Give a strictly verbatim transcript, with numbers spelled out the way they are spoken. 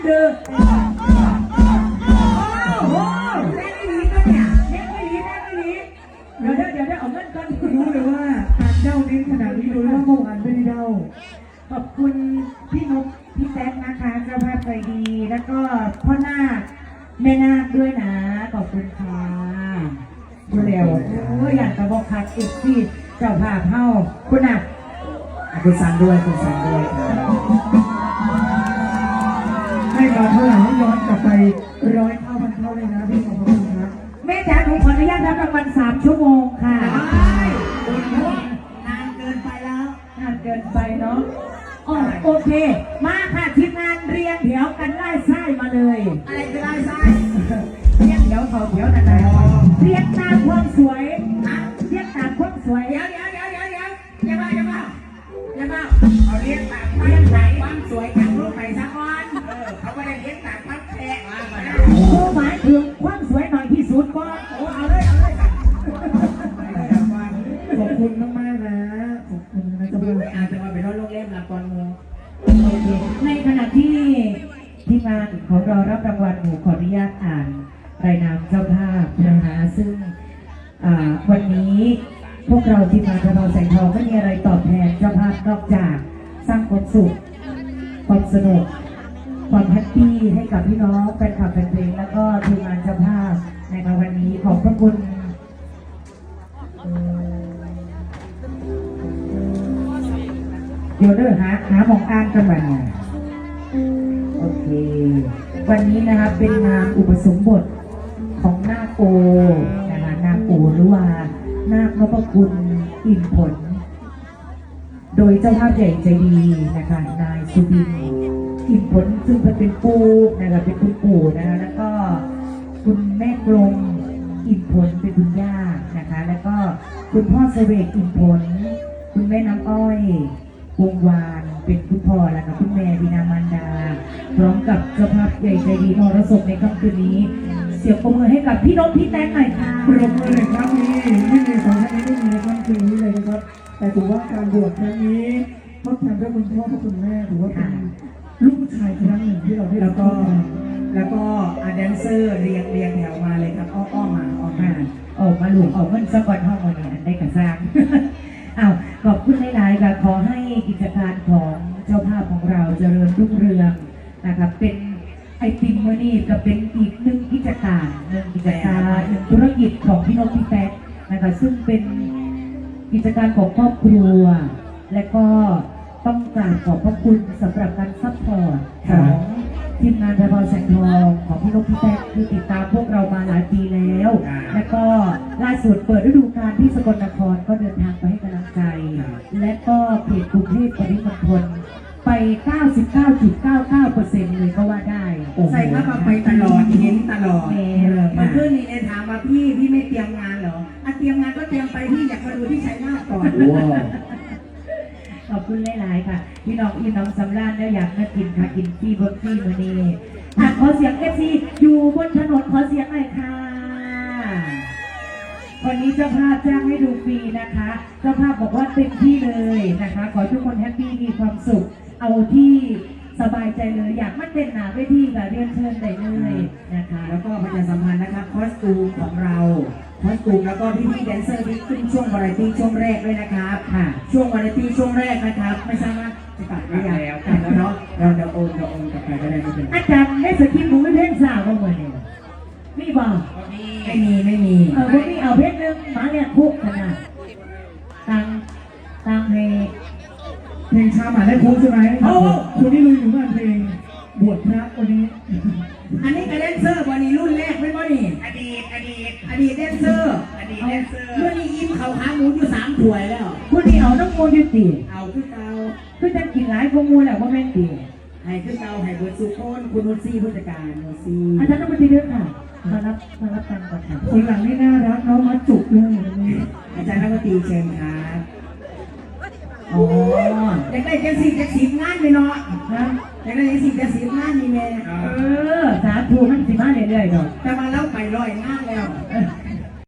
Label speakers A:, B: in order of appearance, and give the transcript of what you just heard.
A: เด้อโอ้โหแม่ไม่หนีก็เนี่ยแม่ไม่หนีแม่ไม่หนีเดี๋ยวเดี๋ยวเดี๋ยวเอาเงินก่อนรู้เลยว่าการเด้าเน้นขนาดนี้รู้ว่าเมื่อวานไม่ได้เด้าขอบคุณพี่นกพี่แซคนะคะเจ้าภาพใจดีแล้วก็พ่อนาคแม่นาคด้วยนะขอบคุณค่ะเร็วโอ้ยอยากจะบอกคักอีกที่เจ้าภาพเฮาคุณอ่ะคุณสันด้วยคุณสันด้วยให้มาเท่าไหร่ย้อนกลับไปร้อยเท่าพันเท่าเลยนะพี่ขอบคุณครับแม่จ๋าผมขออนุญาตรับรางวัลสามชั่วโมงค่ะนานเกินไปแล้วนานเกินไปเนาะอ๋อโอเคมาค่ะทีมงานเรียงแถวกันไล่ไส้มาเลยอะไรจะไล่ไส้เรียงแถวเขาแถวนานๆเรียงตามความสวยเรียงตามความสวยเดี๋ยวเดี๋ยวเดี๋ยวเดี๋ยวเดี๋ยวอย่ามาอย่ามาอย่ามาเอาเรียงตามเรียงตามความสวยจากรูปไหนสักวันเออเขาไม่ได้เรียงตามความแฉะผู้หมายถึงความสวยหน่อยที่สุดก่อนโอ้เอาเลยเอาเลยขอบคุณมากๆนะขอบคุณนะจะมาอาจจะมาเป็นรถโรงเล่มละก่อนมูโอเคในขณะที่ทีมงานของเรารับรางวัลหนูขออนุญาตอ่านรายนามเจ้าภาพนะคะซึ่งวันนี้พวกเราทีมงานกระเพราแสงทองไม่มีอะไรตอบแทนเจ้าภาพนอกจากสร้างความสุขความสนุกความแฮปปี้ให้กับพี่น้องแฟนคลับแฟนเพลงแล้วก็ทีมงานเจ้าภาพในวันนี้ขอบพระคุณเดี๋ยวเด้อหาหาหมองอ่านกันมาโอเควันนี้นะครับเป็นงานอุปสมบทของนาคโอนะคะนาคโอหรือว่านาคนพคุณอิ่มผลโดยเจ้าภาพใหญ่ใจดีนะคะนายสุบินอิ่มผลซึ่งเป็นปู่นะคะเป็นคุณปู่นะคะแล้วก็คุณแม่กลมอิ่มผลเป็นคุณย่านะคะแล้วก็คุณพ่อเสวกอิ่มผลคุณแม่น้ำอ้อยวงวานเป็นคุณพ่อแล้วก็คุณแม่บินามันดาพร้อมกับเจ้าภาพใหญ่ใจดีมรสพในค่ำคืนนี้เสียงปรบมือให้กับพี่นกพี่แตงหน่อยค่ะปรบมือเลยครับนี่ไม่มีสองท่านนี้ไม่มีในค่ำคืนนี้เลยนะครับแต่ถือว่าการบวชครั้งนี้ทดแทนด้วยคุณพ่อและคุณแม่ถือว่าเป็นลูกผู้ชายครั้งหนึ่งที่เราได้แล้วก็แล้วก็อาแดนเซอร์เรียงเรียงแถวมาเลยครับอ้ออ้อมาอ้อมาออกมาหลวงออกเงินสกอตห้องวันนี้ได้กระซังอ้าวขอบคุณหลายๆค่ะขอให้กิจการของเจ้าภาพของเราเจริญรุ่งเรืองนะครับเป็นไอติมโมนี่ก็เป็นอีกหนึ่งกิจการหนึ่งกิจการหนึ่งธุรกิจของพี่นกพี่แป๊กนะคะซึ่งเป็นกิจการของครอบครัวและก็ต้องกราบขอบพระคุณสำหรับการซัพพอร์ตของทีมงานกระเพราแสงทองของพี่นกพี่แป๊กคือติดตามพวกเรามาหลายปีแล้วและก็ล่าสุดเปิดฤดูกาลที่สกลนครก็เดินทางไปให้กำลังใจและก็เขตกรุงเทพปริมณฑลไป เก้าสิบเก้าจุดเก้าเก้าเปอร์เซ็นต์ เลยก็ว่าได้
B: ใส่ผ้าไปตลอดเห็นตลอดมาขึ้นนี่เอ็นถามมาพี่พี่ไม่เตรียมงานเหรออ่ะเตรียมงานก็เตรียมไปพี่อยากมาดูที่ชัยนาทก่อน
A: ขอบคุณหลายๆค่ะพี่น้องพี่น้องสำราญแล้วอยากมากินค่ะกินที่บนที่มือนี้ขอเสียงเอฟซีอยู่บนถนนขอเสียงหน่อยค่ะวันนี้เจ้าภาพจ้างให้ดูฟรีนะคะเจ้าภาพบอกว่าเต็มที่เลยนะคะขอทุกคนแฮปปี้มีความสุขเอาที่สบายใจเลยอยากมาเต้นหนาเวทีแบบเรียนเชิญได้เลยนะคะ
B: แล้วก็ประชาสัมพันธ์นะครับคอสตูมของเราคอสตูมแล้วก็พี่พี่แดนเซอร์ที่ขึ้นช่วงวาไรตี้ช่วงแรกด้วยนะครับค่ะช่วงวาไรตี้ช่วงแรกนะครับไม่ทราบว่าจะกลับหรือยังแล้วกันแล้วเนาะเราเดี๋ยวโอนเดี๋ยวโอนกลับไปก็ได้ไม่เป็นไร
A: อาจารย์ได้สกิปหนูไม่เพ่งสาวบ้างเลยมีบ้าง
B: ไม่มีไม่มี
A: เออวันนี้เอาเพชรนึงมาเนี่ยคุกขนาดตังตังให้
C: เพลงชาหมาได้คุ้มใช่ไหมโอ้คนนี้ลุยอยู่งานเพลงบวชพระวันนี้
B: อันนี้กับแดนเซอร์วันนี้รุ่นแรกไม่บ่นี่อดีตอดีตอดีตแดนเซอร์อดีตแดนเซอร์เมื่อนี้อิ่มเขาขาหมูอยู่สามถ้วยแล้ว
A: คุณนี่เอาน้ำมูลยุติ
B: เอาขึ้นเตา
A: คือจะกินหลายพวกมูลแหละว่าแม่นดี
B: ให้ขึ้นเตาให้เบิร์ดสุโคนคุณนุชซี่ผู้จัดการนุชซี่
A: อาจารย์ต้องมาทีเดียวค่ะมารับมารับกันก่อนค่ะ
C: คนหลังนี่น่ารักน้องมัดจุกเลย
B: อาจารย์นักดนตรีเชิญครับอ๋ออยากได้เจ็ดสิบเจ็ดสิบงานเลยเนาะนะอยากได้เจ็ดสิบเจ็ดสิบงานนี่แม่
A: เออสาธุมันสิมาเรื่อยๆดอก
B: แต่มาแล้วไปร้อยงานแล้ว